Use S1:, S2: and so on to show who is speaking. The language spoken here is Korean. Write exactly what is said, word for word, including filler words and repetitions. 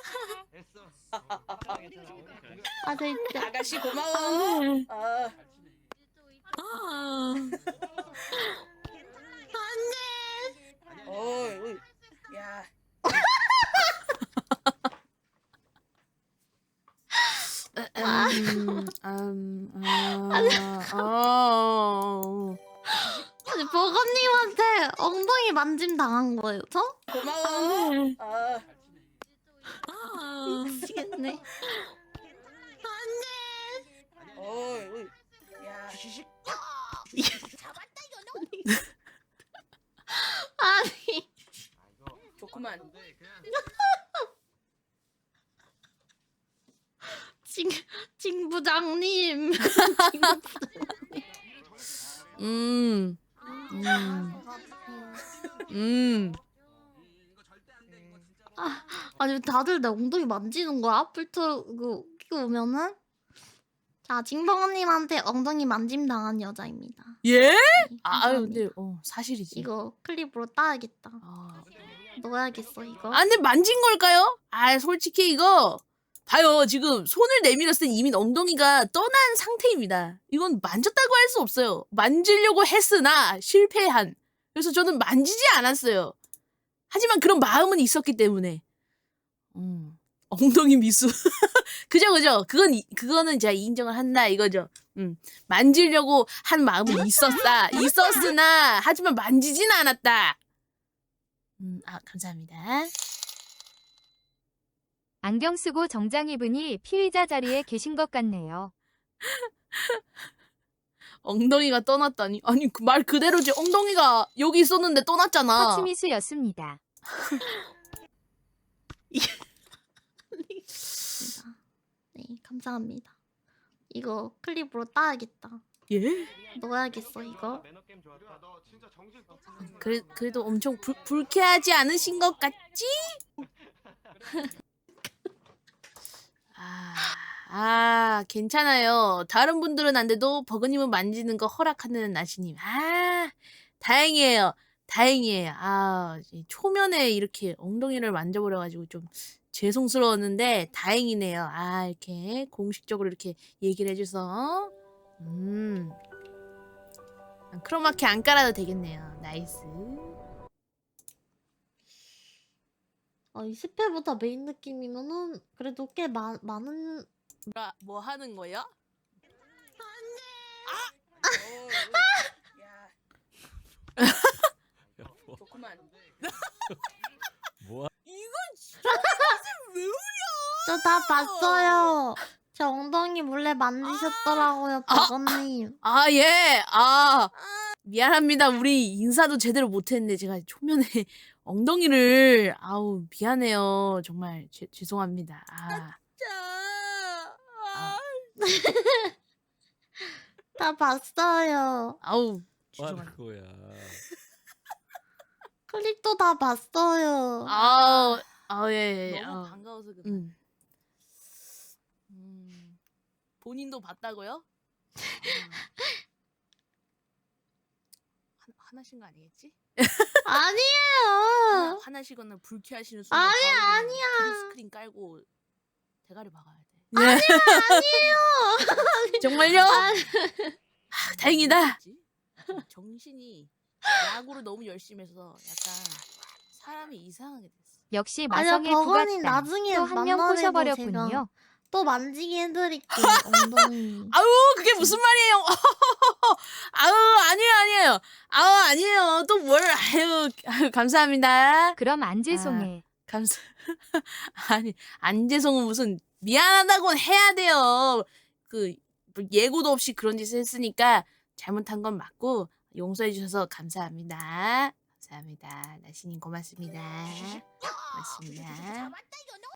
S1: 아 진짜.
S2: 아가씨 고마워.
S1: 네.
S2: 아.
S1: 아.
S2: 어이, 어이. 야.
S3: 음, 음, 아, 어.
S1: 아니 버거님한테 엉덩이 만짐 당한 거예요, 저?
S2: 고마워.
S1: 네.
S2: 아.
S1: 아, 미치겠네.
S2: 어이, 어이. 야.
S1: 아니.
S2: 좋구만.
S1: 진, 진 부장님.
S3: 음, 음, 음.
S1: 아, 아니 다들 내 엉덩이 만지는 거야? 필터 그 끼고 오면은? 자, 징버거님한테 엉덩이 만짐 당한 여자입니다.
S3: 예?
S1: 네,
S3: 아, 아유,
S1: 감사합니다.
S3: 근데 어 사실이지.
S1: 이거 클립으로 따야겠다.
S3: 아,
S1: 넣어야겠어 이거.
S3: 아, 근데 만진 걸까요? 아, 솔직히 이거 봐요. 지금 손을 내밀었을 땐 이미 엉덩이가 떠난 상태입니다. 이건 만졌다고 할 수 없어요. 만지려고 했으나 실패한. 그래서 저는 만지지 않았어요. 하지만 그런 마음은 있었기 때문에. 음, 엉덩이 미수. 그죠, 그죠. 그건 이- 그거는 제가 인정을 한다 이거죠. 음, 만지려고 한 마음은 있었다. 있었으나 하지만 만지진 않았다. 음, 아 감사합니다.
S4: 안경 쓰고 정장 입으니 피의자 자리에 계신 것 같네요.
S3: 엉덩이가 떠났다니. 아니 그 말 그대로지. 엉덩이가 여기 있었는데 떠났잖아.
S4: 허치미수였습니다.
S1: 네, 감사합니다. 이거 클립으로 따야겠다.
S3: 예?
S1: 넣어야겠어 이거.
S3: 그래, 그래도 엄청 불, 불쾌하지 않으신 것 같지? 아, 아, 괜찮아요. 다른 분들은 안 돼도 버거님은 만지는 거 허락하는 나시님. 아, 다행이에요. 다행이에요. 아, 이 초면에 이렇게 엉덩이를 만져버려가지고 좀 죄송스러웠는데 다행이네요. 아, 이렇게 공식적으로 이렇게 얘기를 해줘서. 음. 크로마키 안 깔아도 되겠네요. 나이스.
S1: 어, 이 십 회보다 메인 느낌이면은 그래도 꽤 마, 많은.
S3: 뭐라, 뭐 하는 거야?
S2: 어이, 어이. 야. 좋구만.
S5: 뭐
S3: 이건 진짜 왜 울려?
S1: 저 다 봤어요. 제 엉덩이 몰래 만지셨더라고요,
S3: 아.
S1: 버거님.
S3: 아, 예. 아, 미안합니다. 우리 인사도 제대로 못했는데 제가 초면에 엉덩이를 아우 미안해요. 정말 죄, 죄송합니다. 아. 아,
S1: 다 봤어요.
S3: 아우
S5: 하는
S3: 죄송합니다.
S5: 거야?
S1: 클립도 다 봤어요.
S3: 아우 아, 예, 예.
S2: 너무
S3: 아우.
S2: 반가워서 그래.
S3: 음. 음. 본인도 봤다고요? 아. 화, 화나신 거 아니겠지? 하나,
S1: 아니에요.
S3: 화나시거나 불쾌하시는 순간
S1: 아니야,
S3: 바로 그냥
S1: 아니야.
S3: 그린 스크린 깔고 대가리 박아야 돼.
S1: 아니야, 아니에요.
S3: 정말요?
S1: 아,
S3: 아, 다행이다. 정신이 야구를 너무 열심히 해서 약간 사람이 이상하게 됐어.
S4: 역시
S1: 아니야,
S4: 마성의
S1: 버거님
S4: 부각단.
S1: 나중에
S4: 또 한 명
S1: 만나래도
S4: 꼬셔버렸군요.
S1: 제가 또 만지게 해드릴게요, 엉덩이.
S3: 아우 그게 무슨 말이에요? 아우 아니에요 아니에요. 아우 아니에요. 또 뭘 아유, 아유 감사합니다.
S4: 그럼 안재송해.
S3: 감사. 아니 안재성은 무슨 미안하다고 해야 돼요. 그뭐 예고도 없이 그런 짓을 했으니까 잘못한 건 맞고 용서해 주셔서 감사합니다. 감사합니다. 나시님 고맙습니다. 고맙습니다.